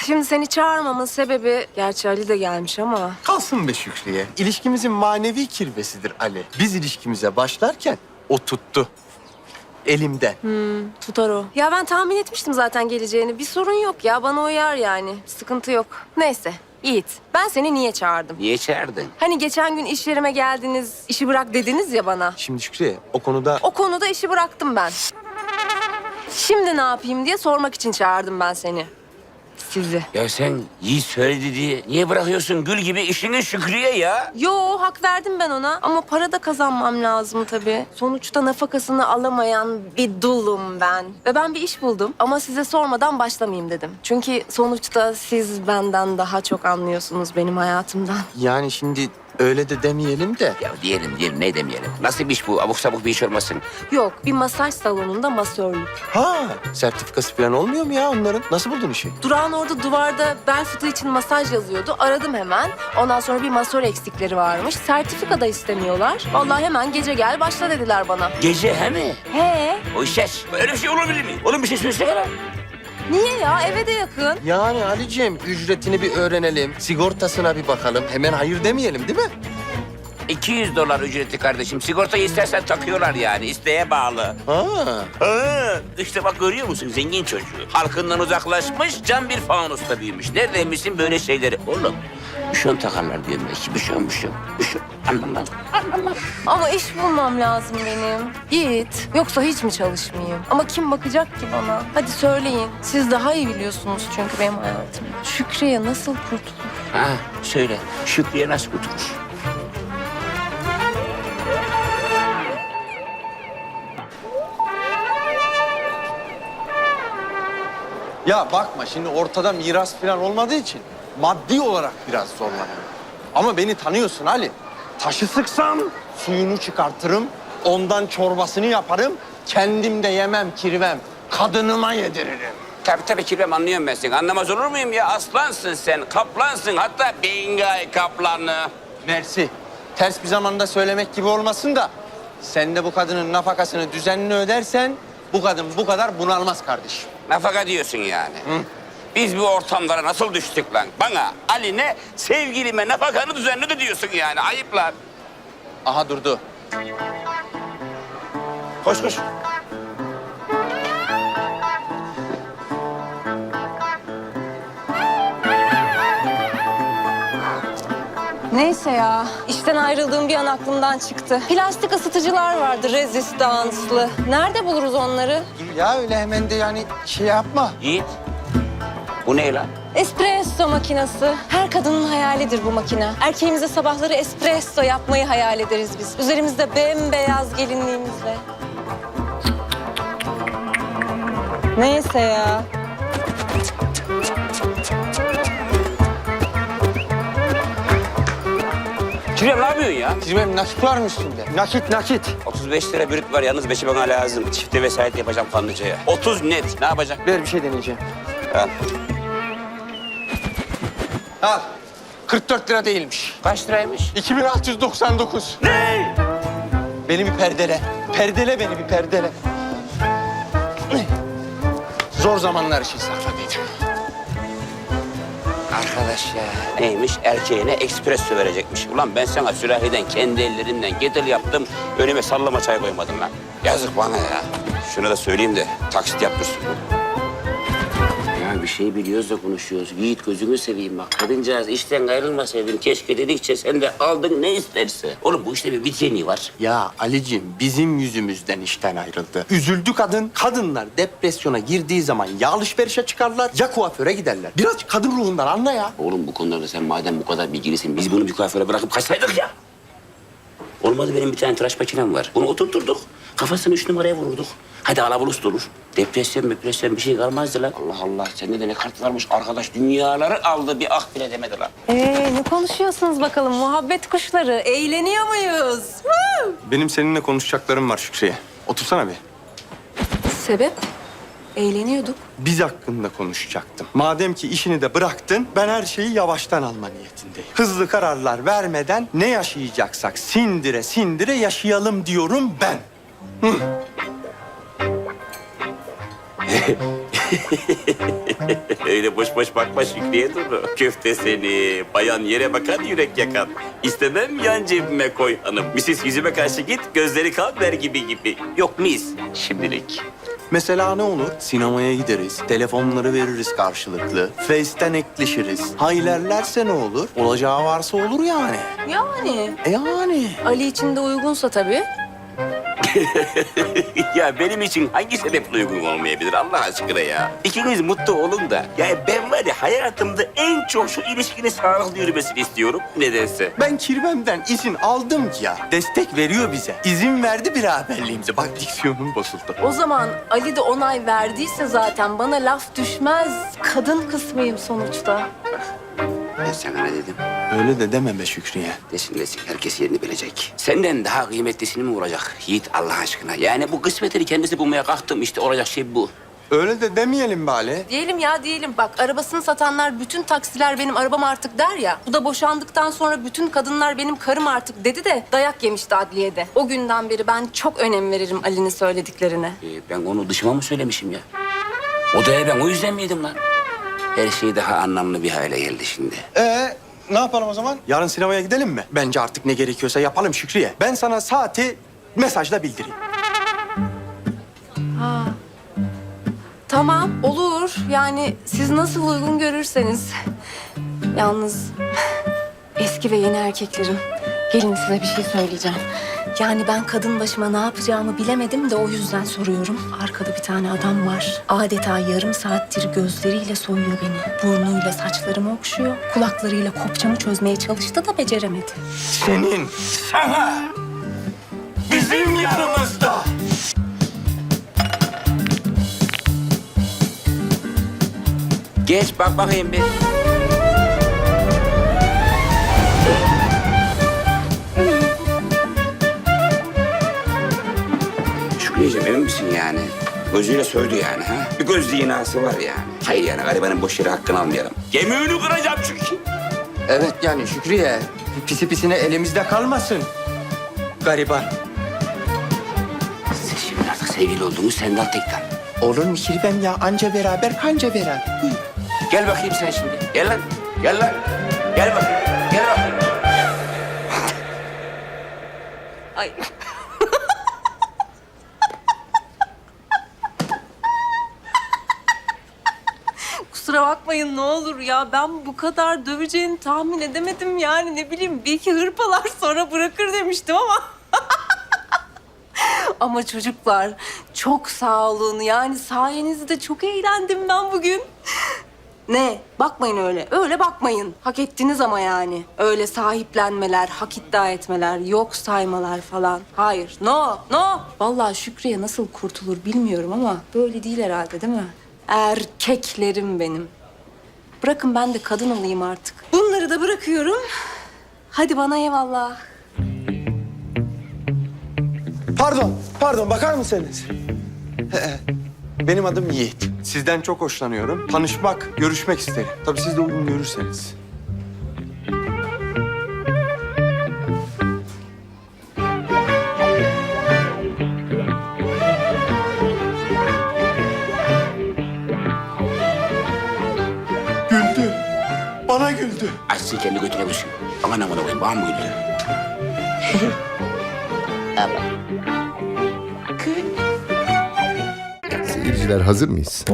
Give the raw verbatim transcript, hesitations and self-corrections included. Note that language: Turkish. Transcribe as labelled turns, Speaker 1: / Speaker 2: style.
Speaker 1: şimdi seni çağırmamın sebebi... Gerçi Ali de gelmiş ama...
Speaker 2: Kalsın be Şükriye. İlişkimizin manevi kirvesidir Ali. Biz ilişkimize başlarken o tuttu. Elimde.
Speaker 1: Hmm, tutar o. Ya ben tahmin etmiştim zaten geleceğini. Bir sorun yok ya, bana uyar yani. Sıkıntı yok. Neyse, Yiğit. Ben seni niye çağırdım?
Speaker 3: Niye çağırdın?
Speaker 1: Hani geçen gün iş yerime geldiniz, işi bırak dediniz ya bana.
Speaker 2: Şimdi Şükriye o konuda...
Speaker 1: O konuda işi bıraktım ben. Şimdi ne yapayım diye sormak için çağırdım ben seni. Sizi.
Speaker 3: Ya sen Yiğit söyledi diye niye bırakıyorsun gül gibi işini Şükriye ya?
Speaker 1: Yo, hak verdim ben ona ama para da kazanmam lazım tabii. Sonuçta nafakasını alamayan bir dulum ben. Ve ben bir iş buldum ama size sormadan başlamayayım dedim. Çünkü sonuçta siz benden daha çok anlıyorsunuz benim hayatımdan.
Speaker 2: Yani şimdi öyle de demeyelim de.
Speaker 3: Ya diyelim diyelim ne demeyelim. Nasıl bir iş bu? Abuk sabuk bir iş olmasın.
Speaker 1: Yok, bir masaj salonunda masörlük.
Speaker 2: Ha, sertifikası falan olmuyor mu ya onların? Nasıl buldun işi?
Speaker 1: Durağın orada duvarda bel fıtığı için masaj yazıyordu. Aradım hemen. Ondan sonra bir masör eksikleri varmış. Sertifika da istemiyorlar. Vallahi hemen gece gel başla dediler bana.
Speaker 3: Gece he mi?
Speaker 1: He?
Speaker 3: O işler. Öyle bir şey olabilir mi? Oğlum bir şey söylesene lan.
Speaker 1: Niye ya? Eve de yakın.
Speaker 2: Yani Ali'ciğim ücretini bir öğrenelim. Sigortasına bir bakalım. Hemen hayır demeyelim değil mi?
Speaker 3: iki yüz dolar ücreti kardeşim. Sigortayı istersen takıyorlar yani. İsteğe bağlı.
Speaker 2: Ha.
Speaker 3: Ha, işte bak görüyor musun zengin çocuğu. Halkından uzaklaşmış, can bir fanusta büyümüş. Neredeymişsin böyle şeyleri? Oğlum, büşon takarlar diyorum belki. Büşon, büşon, büşon. Anlam lan, anlam lan.
Speaker 1: Ama iş bulmam lazım benim. Yiğit. Yoksa hiç mi çalışmayayım? Ama kim bakacak ki bana? Hadi söyleyin. Siz daha iyi biliyorsunuz çünkü benim hayatımı. Şükriye nasıl kurtulur?
Speaker 3: Ha, söyle. Şükriye nasıl kurtulur?
Speaker 2: Ya bakma şimdi ortada miras falan olmadığı için maddi olarak biraz zorlanıyorum. Ama beni tanıyorsun Ali. Taşı sıksam suyunu çıkartırım, ondan çorbasını yaparım, kendim de yemem kirvem, kadınıma yediririm.
Speaker 3: Tabii tabii kirvem anlıyorum ben seni. Anlamaz olur muyum ya? Aslansın sen, kaplansın. Hatta Bingay kaplanı.
Speaker 2: Mersi, ters bir zamanda söylemek gibi olmasın da sen de bu kadının nafakasını düzenli ödersen bu kadın bu kadar bunalmaz kardeşim.
Speaker 3: Nafaka diyorsun yani. Hı? Biz bu ortamlara nasıl düştük lan? Bana, Ali'ne, sevgilime nafakanı düzenledi diyorsun yani. Ayıp lan.
Speaker 2: Aha durdu.
Speaker 3: Koş koş.
Speaker 1: Neyse ya. İşten ayrıldığım bir an aklımdan çıktı. Plastik ısıtıcılar vardı rezistanslı. Nerede buluruz onları?
Speaker 2: Dur ya öyle hemen de yani şey yapma.
Speaker 3: Yiğit. Bu ne lan?
Speaker 1: Espresso makinesi. Her kadının hayalidir bu makine. Erkeğimize sabahları espresso yapmayı hayal ederiz biz. Üzerimizde bembeyaz gelinliğimizle. Neyse ya.
Speaker 3: Kirvem ne yapıyorsun ya?
Speaker 2: Kirvem nakit var mı üstünde? Nakit nakit.
Speaker 3: otuz beş lira bürüt var. Yalnız beşi bana lazım. Çifte vesayet yapacağım Kanlıca'ya. otuz net. Ne yapacak?
Speaker 2: Ver bir şey deneyeceğim.
Speaker 3: Al.
Speaker 2: Al. kırk dört lira değilmiş.
Speaker 3: Kaç liraymış?
Speaker 2: iki bin altı yüz doksan dokuz.
Speaker 3: Ne?
Speaker 2: Beni bir perdele. Perdele beni bir perdele. Zor zamanlar için sakladıydım.
Speaker 3: Arkadaş ya. Neymiş? Erkeğine espresso verecekmiş. Ulan ben sana sürahiden kendi ellerimden kettle yaptım. Önüme sallama çay koymadım lan. Yazık bana ya. Şunu da söyleyeyim de taksit yaptırsın. Ya bir şey biliyoruz da konuşuyoruz. Yiğit gözünü seveyim bak. Kadıncağız işten ayrılmasaydın keşke dedikçe sen de aldın ne isterse. Oğlum bu işte bir vitrini var.
Speaker 2: Ya Ali'cim bizim yüzümüzden işten ayrıldı. Üzüldü kadın. Kadınlar depresyona girdiği zaman ya alışverişe çıkarlar ya kuaföre giderler. Biraz kadın ruhundan anla ya.
Speaker 3: Oğlum bu konularda sen madem bu kadar bilgilisin biz bunu bir kuaföre bırakıp kaçsaydık ya. Olmadı benim bir tane tıraş makinem var. Bunu oturturduk. Kafasını üç numaraya vururduk. Hadi alabulut olur. Depresyon, depresyon bir şey kalmazdı lan. Allah Allah sende de ne kart varmış arkadaş. Dünyaları aldı bir ah bile demedi lan.
Speaker 1: Ee, ne konuşuyorsunuz bakalım muhabbet kuşları? Eğleniyor muyuz? Woo!
Speaker 2: Benim seninle konuşacaklarım var Şükriye. Otursana bir.
Speaker 1: Sebep? Eğleniyorduk.
Speaker 2: Biz hakkında konuşacaktım. Madem ki işini de bıraktın, ben her şeyi yavaştan alma niyetindeyim. Hızlı kararlar vermeden ne yaşayacaksak sindire sindire yaşayalım diyorum ben. Hı.
Speaker 3: Öyle boş boş bakma Şükriye Duru. Köfte seni, bayan yere bakan yürek yakan. İstemem yan cebime koy hanım. Misis yüzüme karşı git, gözleri kan ver gibi gibi. Yok mis şimdilik.
Speaker 2: Mesela ne olur? Sinemaya gideriz, telefonları veririz karşılıklı, Face'ten ekleşiriz. Haylerlerse ne olur? Olacağı varsa olur yani.
Speaker 1: Yani
Speaker 2: E yani.
Speaker 1: Ali için de uygunsa tabii.
Speaker 3: Ya benim için hangi sebeple uygun olmayabilir Allah aşkına ya? İkiniz mutlu olun da. Yani ben var ya hayatımda en çok şu ilişkinin sağlıklı yürümesini istiyorum nedense.
Speaker 2: Ben kirvemden izin aldım ki ya. Destek veriyor bize. İzin verdi beraberliğimize. Bak diksiyonum bozuldu.
Speaker 1: O zaman Ali de onay verdiyse zaten bana laf düşmez. Kadın kısmıyım sonuçta.
Speaker 3: Ben sana ne dedim?
Speaker 2: Öyle de deme be Şükriye.
Speaker 3: Desin desin herkes yerini bilecek. Senden daha kıymetlisini mi vuracak Yiğit Allah aşkına? Yani bu kısmetini kendisi bulmaya kalktım işte olacak şey bu.
Speaker 2: Öyle de demeyelim bari.
Speaker 1: Diyelim ya diyelim. Bak arabasını satanlar bütün taksiler benim arabam artık der ya. Bu da boşandıktan sonra bütün kadınlar benim karım artık dedi de dayak yemişti adliyede. O günden beri ben çok önem veririm Ali'nin söylediklerine.
Speaker 3: Ee, ben onu dışıma mı söylemişim ya? Odaya ben o yüzden miydim lan? Her şey daha anlamlı bir hale geldi şimdi.
Speaker 2: Ee, ne yapalım o zaman? Yarın sinemaya gidelim mi? Bence artık ne gerekiyorsa yapalım Şükriye. Ben sana saati mesajla bildireyim.
Speaker 1: Ha. Tamam olur. Yani siz nasıl uygun görürseniz. Yalnız eski ve yeni erkeklerim. Gelin size bir şey söyleyeceğim. Yani ben kadın başıma ne yapacağımı bilemedim de o yüzden soruyorum. Arkada bir tane adam var. Adeta yarım saattir gözleriyle soyuyor beni. Burnuyla saçlarımı okşuyor. Kulaklarıyla kopçamı çözmeye çalıştı da beceremedi.
Speaker 2: Senin, sana, bizim yanımızda.
Speaker 3: Geç bak bakayım bir. Şükriyeciğim emin misin yani? Gözüyle söyledi yani ha? Bir göz dinası var yani. Hayır yani garibanın boş yere hakkını almayalım. Gemiğini kıracağım çünkü.
Speaker 2: Evet yani Şükriye, pisi pisine elimizde kalmasın. Gariban.
Speaker 3: Siz şimdi artık sevgili oldunuz sen de al tekten.
Speaker 2: Olur mu kirvem ya? Anca beraber, kanca beraber. Buyur.
Speaker 3: Gel bakayım sen şimdi. Gel lan. Gel lan. Gel bakayım. Gel bakayım.
Speaker 1: Ay. Kusura bakmayın ne olur ya. Ben bu kadar döveceğini tahmin edemedim yani. Ne bileyim bir iki hırpalar sonra bırakır demiştim ama. Ama çocuklar çok sağ olun. Yani sayenizde çok eğlendim ben bugün. Ne? Bakmayın öyle. Öyle bakmayın. Hak ettiniz ama yani. Öyle sahiplenmeler, hak iddia etmeler, yok saymalar falan. Hayır. No, no. Vallahi Şükriye nasıl kurtulur bilmiyorum ama böyle değil herhalde değil mi? Erkeklerim benim. Bırakın ben de kadın olayım artık. Bunları da bırakıyorum. Hadi bana eyvallah.
Speaker 2: Pardon, pardon bakar mısınız? Ee, Benim adım Yiğit. Sizden çok hoşlanıyorum. Tanışmak, görüşmek isterim. Tabii siz de uygun görürseniz. Güldü. Bana güldü.
Speaker 3: Açsın kendi götüne düşün. Aman aman koyayım bana mı güldü?
Speaker 4: Seyirciler hazır mıyız?